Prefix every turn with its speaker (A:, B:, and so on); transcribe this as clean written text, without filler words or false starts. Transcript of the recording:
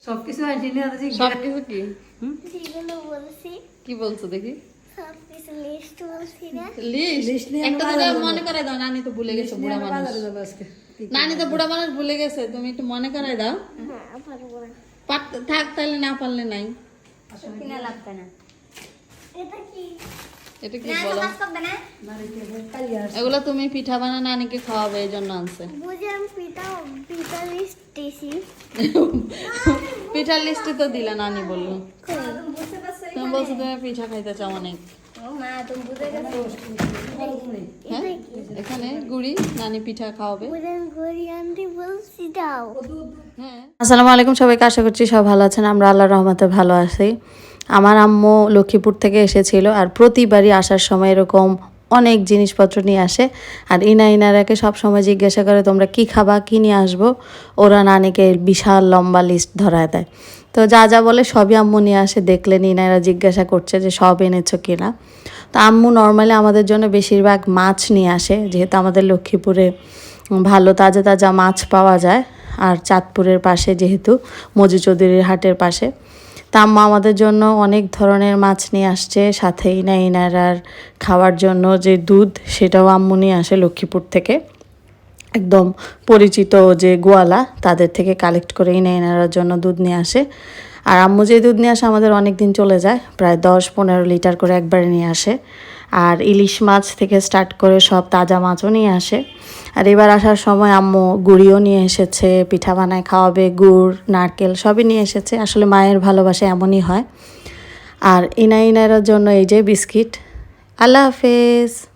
A: সবকিছু আসেনি আর
B: সবকিছু কি
C: যেগুলো বলছি
B: কি বলছো দেখি
C: সবকিছু লিস্ট বলছি না
B: লিস্ট একটা তো মনে করাই দাও, নানি তো ভুলে গেছে, বুড়া মানুষ।
A: বাজারে যাবো আজকে।
B: নানি তো বুড়া মানুষ ভুলে গেছে, তুমি একটু মনে করাই দাও।
C: হ্যাঁ পারবো না
B: থাক তাহলে, না পারলে নাই।
C: কিনা লাগবে না এটা কি
B: এটা কি বলো?
A: বাড়িতে কালি আসছে।
B: এগুলো তুমি পিঠা বানা নানিকে খাওয়াবে, এই জন্য আনছে।
C: বুঝলাম পিতা লিস্ট দিছি
B: পিঠার লিস্টে তো দিলা, নানি বললো।
C: বুঝতে পারছো
B: তুমি বলছো তুমি পিঠা খাইতে চাও অনেক।
C: ও মা তুমি বুঝে গেছো
B: হ্যাঁ, এখানে গুড়ি নানি পিঠা খাওয়াবে।
C: বুঝলাম ঘড়ি আনতে বলছি দাও
B: হ্যাঁ, আসসালামু আলাইকুম সবাইকে, আশা করছি সব ভালো আছেন। আমরা আল্লাহর রহমতে ভালো আছি। আমার আম্মু লক্ষ্মীপুর থেকে এসেছিল, আর প্রতিবারই আসার সময় এরকম অনেক জিনিসপত্র নিয়ে আসে। আর ইনারাকে সব সময় জিজ্ঞাসা করে তোমরা কি খাবা, কি নিয়ে আসবো। ওরা নানিকে বিশাল লম্বা লিস্ট ধরায় দেয়। তো যা যা বলে সবই আম্মু নিয়ে আসে। দেখলেন ইনারা জিজ্ঞাসা করছে যে সব এনেছো কিনা। তো আম্মু নর্মালি আমাদের জন্য বেশিরভাগ মাছ নিয়ে আসে, যেহেতু আমাদের লক্ষ্মীপুরে ভালো তাজা তাজা মাছ পাওয়া যায়। আর চাঁদপুরের পাশে যেহেতু, মজু চৌধুরীর হাটের পাশে, তা আম্মা আমাদের জন্য অনেক ধরনের মাছ নিয়ে আসছে। সাথে ইনারার খাওয়ার জন্য যে দুধ, সেটাও আম্মু নিয়ে আসে লক্ষ্মীপুর থেকে। একদম পরিচিত যে গোয়ালা, তাদের থেকে কালেক্ট করে ইনারার জন্য দুধ নিয়ে আসে। আর আম্মু যে দুধ নিয়ে আসে আমাদের অনেক দিন চলে যায়, প্রায় 10-15 লিটার করে একবারে নিয়ে আসে। আর ইলিশ মাছ থেকে স্টার্ট করে সব তাজা মাছও নিয়ে আসে। আর এবার আসার সময় আম্মু গুড়িও নিয়ে এসেছে, পিঠা বানায় খাওয়াবে, গুড় নারকেল সবই নিয়ে এসেছে। আসলে মায়ের ভালোবাসা এমনই হয়। আর ইনারার জন্য এই যে বিস্কিট। আল্লাহ হাফেজ।